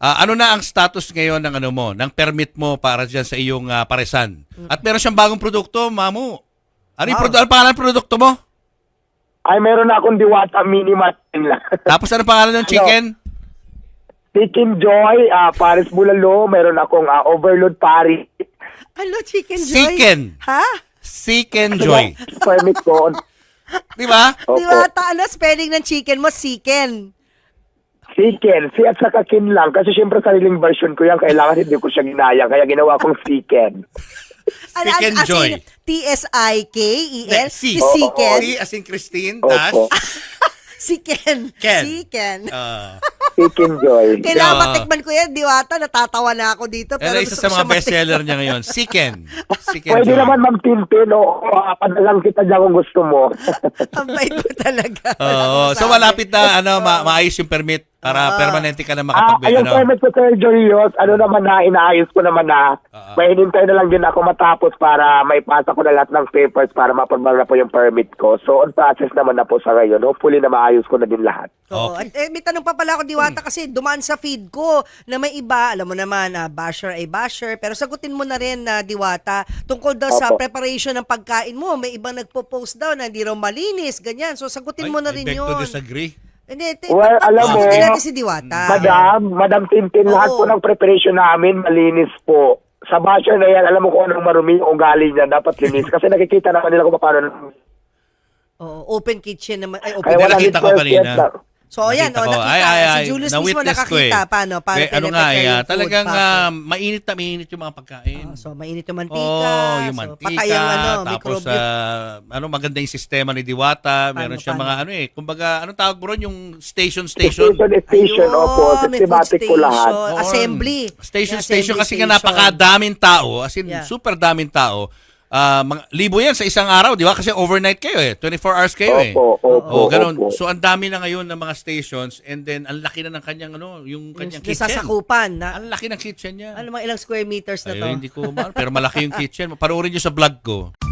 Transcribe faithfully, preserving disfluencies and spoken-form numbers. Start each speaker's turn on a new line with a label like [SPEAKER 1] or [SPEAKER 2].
[SPEAKER 1] Ah, ano na ang status ngayon ng ano mo, ng permit mo para diyan sa iyong ah, paresan? At meron siyang bagong produkto, Mamu. Ano yung
[SPEAKER 2] Wow.
[SPEAKER 1] produ- ano pangalan ng produkto mo?
[SPEAKER 3] Ay, meron na akong Diwata Mini Matin lang.
[SPEAKER 1] Tapos ano pangalan ng chicken?
[SPEAKER 3] Chicken Joy, ah, Paris Bulalo, meron akong ah, Overload Paris.
[SPEAKER 2] Ano, Chicken Joy?
[SPEAKER 1] Chicken.
[SPEAKER 2] Ha?
[SPEAKER 1] Chicken Joy.
[SPEAKER 3] Permit ko.
[SPEAKER 1] Di ba?
[SPEAKER 3] Opo.
[SPEAKER 2] Di ba, ta, ano, spelling ng chicken mo, chicken.
[SPEAKER 3] Chicken. Si at saka kin lang. Kasi syempre sariling version ko yan. Kailangan hindi ko siya ginaya. Kaya ginawa kong chicken.
[SPEAKER 2] Ano,
[SPEAKER 1] Chicken
[SPEAKER 2] as
[SPEAKER 1] Joy.
[SPEAKER 2] in, T S I K E N?
[SPEAKER 1] Si.
[SPEAKER 2] Si Chicken.
[SPEAKER 1] Si as in Christine, dash.
[SPEAKER 3] Opo.
[SPEAKER 2] Chicken.
[SPEAKER 1] Ken.
[SPEAKER 2] Chicken.
[SPEAKER 1] Ah.
[SPEAKER 3] Chicken Joy.
[SPEAKER 2] Kailangan
[SPEAKER 1] Yeah.
[SPEAKER 2] matikman ko yan, Diwata. Natatawa na ako dito.
[SPEAKER 1] Pero
[SPEAKER 2] Pero
[SPEAKER 1] isa
[SPEAKER 2] gusto
[SPEAKER 1] sa
[SPEAKER 2] ko
[SPEAKER 1] mga
[SPEAKER 2] siya
[SPEAKER 1] bestseller niya ngayon, Chicken. Chicken
[SPEAKER 3] Pwede
[SPEAKER 1] Joy.
[SPEAKER 3] naman Ma'am Tintin. O uh, padalang kita dyan kung gusto mo.
[SPEAKER 2] matikman. Ang bait mo talaga.
[SPEAKER 1] Oo. So malapit na ano ma- maayos yung permit para permanente ka na
[SPEAKER 3] Ah,
[SPEAKER 1] makapag
[SPEAKER 3] ayun
[SPEAKER 1] ano.
[SPEAKER 3] permit ko, Sir Jorios. Ano naman na, inaayos ko naman na.
[SPEAKER 1] Oo.
[SPEAKER 3] May hinintay na lang din ako matapos para may pasa ko na lahat ng papers para mapagmang na po yung permit ko. So, on process naman na po sa ngayon. Hopefully na maayos ko na din lahat.
[SPEAKER 2] Oo.
[SPEAKER 1] Okay.
[SPEAKER 2] At eh, may tanong pa pala ako, Diwata, kasi dumaan sa feed ko na may iba, alam mo naman, ah, basher ay basher, pero sagutin mo na rin, na Diwata, tungkol daw sa
[SPEAKER 3] Opo.
[SPEAKER 2] preparation ng pagkain mo. May ibang nagpo-post daw na hindi raw malinis, ganyan. So, sagutin mo na
[SPEAKER 1] I
[SPEAKER 2] rin
[SPEAKER 1] beg
[SPEAKER 2] yun.
[SPEAKER 1] to disagree.
[SPEAKER 2] Hindi, t-
[SPEAKER 3] Well,
[SPEAKER 2] pa-
[SPEAKER 3] alam mo,
[SPEAKER 2] sagutin natin si Diwata.
[SPEAKER 3] Madam, Madam Tintin, lahat
[SPEAKER 2] Oo.
[SPEAKER 3] po ng preparation namin malinis po. Sa basher na yan, alam mo kung anong marumi yung ugali niya, dapat linis. Kasi nakikita naman nila kung paano.
[SPEAKER 2] Oo, open kitchen naman. Ay, open
[SPEAKER 3] Kaya
[SPEAKER 1] Hindi, nakita ko
[SPEAKER 3] one hundred percent
[SPEAKER 1] kanina.
[SPEAKER 3] na-
[SPEAKER 2] So, ayan,
[SPEAKER 1] Nakita
[SPEAKER 2] oh,
[SPEAKER 1] ko.
[SPEAKER 2] nakita.
[SPEAKER 1] Ay, ay, ay.
[SPEAKER 2] Si Julius mismo
[SPEAKER 1] Na-witness ko
[SPEAKER 2] nakakita.
[SPEAKER 1] eh.
[SPEAKER 2] Paano? Paano
[SPEAKER 1] Eh, ano nga,
[SPEAKER 2] piniprepare
[SPEAKER 1] eh,
[SPEAKER 2] yung
[SPEAKER 1] ah,
[SPEAKER 2] food,
[SPEAKER 1] talagang
[SPEAKER 2] paano?
[SPEAKER 1] ah, mainit na mainit yung mga pagkain.
[SPEAKER 2] Ah, so, mainit yung mantika.
[SPEAKER 1] Oh, yung
[SPEAKER 2] so,
[SPEAKER 1] mantika.
[SPEAKER 2] patay ang ano,
[SPEAKER 1] tapos,
[SPEAKER 2] microbio.
[SPEAKER 1] ah, ano, maganda yung sistema ni Diwata. Meron
[SPEAKER 2] Paano,
[SPEAKER 1] siya
[SPEAKER 2] paano?
[SPEAKER 1] mga, ano eh, kumbaga, anong tawag mo ron? Yung station, station.
[SPEAKER 3] Station, station,
[SPEAKER 2] Ayun,
[SPEAKER 3] opo.
[SPEAKER 2] may
[SPEAKER 3] Systematic
[SPEAKER 2] food
[SPEAKER 3] ko lahat.
[SPEAKER 2] station.
[SPEAKER 1] Oo.
[SPEAKER 2] Assembly.
[SPEAKER 1] Station,
[SPEAKER 2] May
[SPEAKER 1] station.
[SPEAKER 2] assembly
[SPEAKER 1] Kasi nga
[SPEAKER 2] station.
[SPEAKER 1] napakadaming tao. As in,
[SPEAKER 2] Yeah.
[SPEAKER 1] super daming tao. Ah, mga, libo yan sa isang araw, di ba? Kasi overnight kayo eh. twenty-four hours kayo eh.
[SPEAKER 3] Opo, opo,
[SPEAKER 1] Oh, ganun.
[SPEAKER 3] opo.
[SPEAKER 1] So, ang dami na ngayon ng mga stations and then, ang laki na ng kanyang, ano, yung
[SPEAKER 2] Yung
[SPEAKER 1] kanyang
[SPEAKER 2] yung
[SPEAKER 1] kitchen.
[SPEAKER 2] sasakupan na,
[SPEAKER 1] Ang laki ng kitchen niya.
[SPEAKER 2] ano mga ilang square meters na to?
[SPEAKER 1] Ayun, hindi ko, ma- pero malaki yung kitchen. Panoorin nyo sa vlog ko.